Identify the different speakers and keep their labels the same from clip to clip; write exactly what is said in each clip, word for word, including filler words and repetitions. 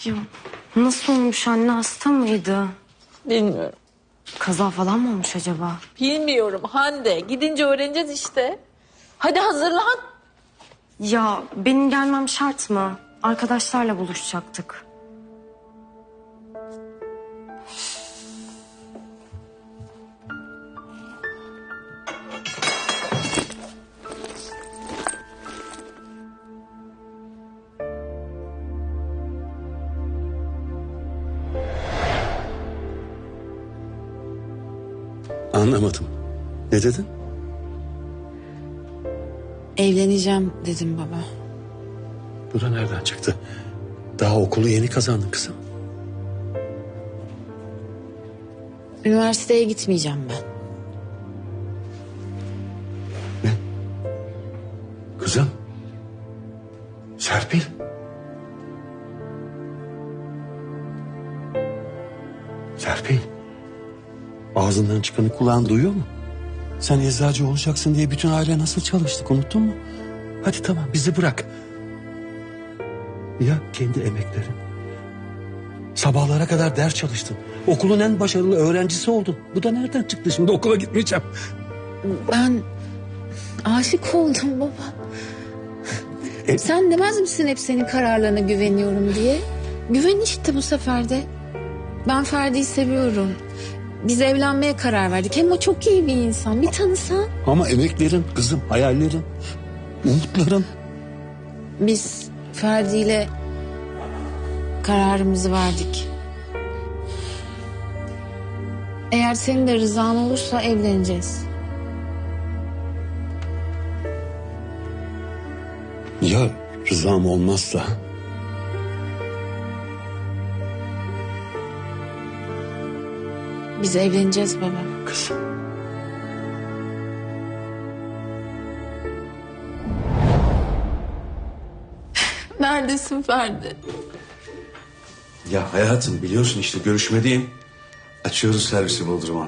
Speaker 1: Ya nasıl olmuş anne, hasta mıydı?
Speaker 2: Bilmiyorum.
Speaker 1: Kaza falan mı olmuş acaba?
Speaker 2: Bilmiyorum Hande. Gidince öğreneceğiz işte. Hadi hazırlan.
Speaker 1: Ya benim gelmem şart mı? Arkadaşlarla buluşacaktık.
Speaker 3: Anlamadım. Ne dedin?
Speaker 4: Evleneceğim dedim baba.
Speaker 3: Bu da nereden çıktı? Daha okulu yeni kazandın kızım.
Speaker 4: Üniversiteye gitmeyeceğim ben.
Speaker 3: Ne? Kızım. Serpil. Serpil. Ağzından çıkanı kulağın duyuyor mu? Sen eczacı olacaksın diye bütün aile nasıl çalıştık, unuttun mu? Hadi tamam, bizi bırak. Ya kendi emeklerin? Sabahlara kadar ders çalıştın. Okulun en başarılı öğrencisi oldun. Bu da nereden çıktı şimdi? Okula gitmeyeceğim.
Speaker 4: Ben aşık oldum baba.
Speaker 3: E-
Speaker 4: Sen demez misin hep senin kararlarına güveniyorum diye? Güven işte bu sefer de. Ben Ferdi'yi seviyorum. Biz evlenmeye karar verdik. Hem o çok iyi bir insan. Bir tanısan.
Speaker 3: Ama emeklerin kızım, hayallerin, umutların.
Speaker 4: Biz Ferdi ile kararımızı verdik. Eğer senin de rızan olursa evleneceğiz.
Speaker 3: Ya rızam olmazsa?
Speaker 4: Biz evleneceğiz baba.
Speaker 3: Kızım.
Speaker 4: Neredesin Ferdi?
Speaker 5: Ya hayatım biliyorsun işte görüşmedeyim. Açıyoruz servisi Bodrum'a.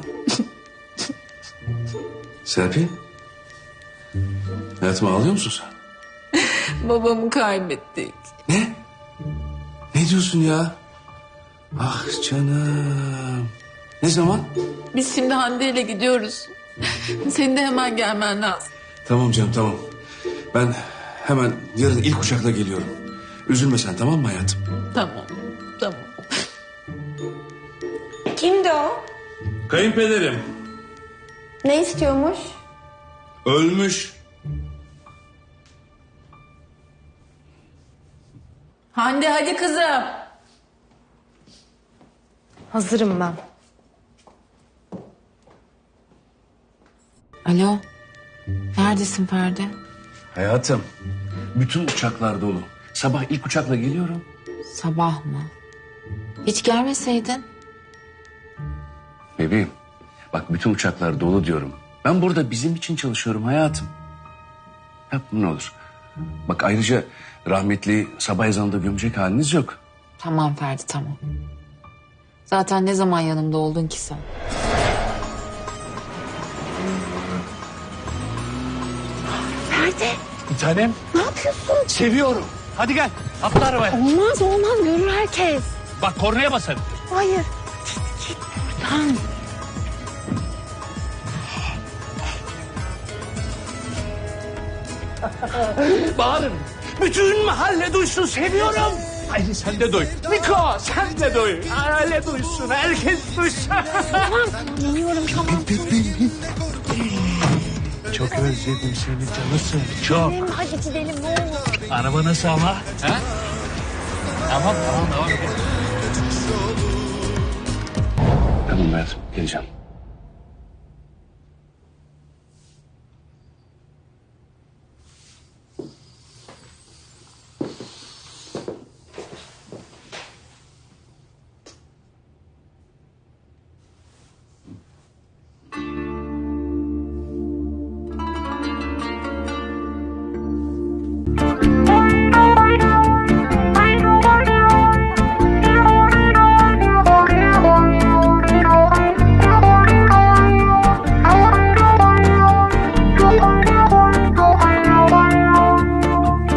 Speaker 5: Serpil. Hayatım ağlıyor musun sen?
Speaker 2: Babamı kaybettik.
Speaker 5: Ne? Ne diyorsun ya? Ah canım. Ne zaman?
Speaker 2: Biz şimdi Hande ile gidiyoruz. Senin de hemen gelmen lazım.
Speaker 5: Tamam canım tamam. Ben hemen yarın ilk uçakla geliyorum. Üzülme sen, tamam mı hayatım?
Speaker 2: Tamam, tamam.
Speaker 6: Kimdi o?
Speaker 5: Kayınpederim.
Speaker 6: Ne istiyormuş?
Speaker 5: Ölmüş.
Speaker 2: Hande hadi kızım.
Speaker 1: Hazırım ben.
Speaker 4: Alo. Neredesin Ferdi?
Speaker 5: Hayatım bütün uçaklar dolu. Sabah ilk uçakla geliyorum.
Speaker 4: Sabah mı? Hiç gelmeseydin.
Speaker 5: Bebeğim bak bütün uçaklar dolu diyorum. Ben burada bizim için çalışıyorum hayatım. Yapma ne olur. Bak ayrıca rahmetli sabah ezanında gömecek haliniz yok.
Speaker 4: Tamam Ferdi tamam. Zaten ne zaman yanımda oldun ki sen?
Speaker 3: Bir tanem. Ne yapıyorsun? Seviyorum. Hadi gel. Atla arabaya.
Speaker 6: Olmaz olmaz görür herkes.
Speaker 3: Bak kornaya basarım.
Speaker 6: Hayır.
Speaker 4: Lan
Speaker 3: Bağırın. Bütün mahalle duysun, seviyorum. Haydi sen de duy. Miko sen de duy. Mahalle duysun, herkes duysun.
Speaker 6: Tamam. Geliyorum tamam.
Speaker 3: Çok özledim seni canısın. Çok.
Speaker 6: Gidelim, hadi gidelim ne olur.
Speaker 3: Araba nasıl ama? Ha? Tamam tamam tamam.
Speaker 5: Tamam hayatım geleceğim.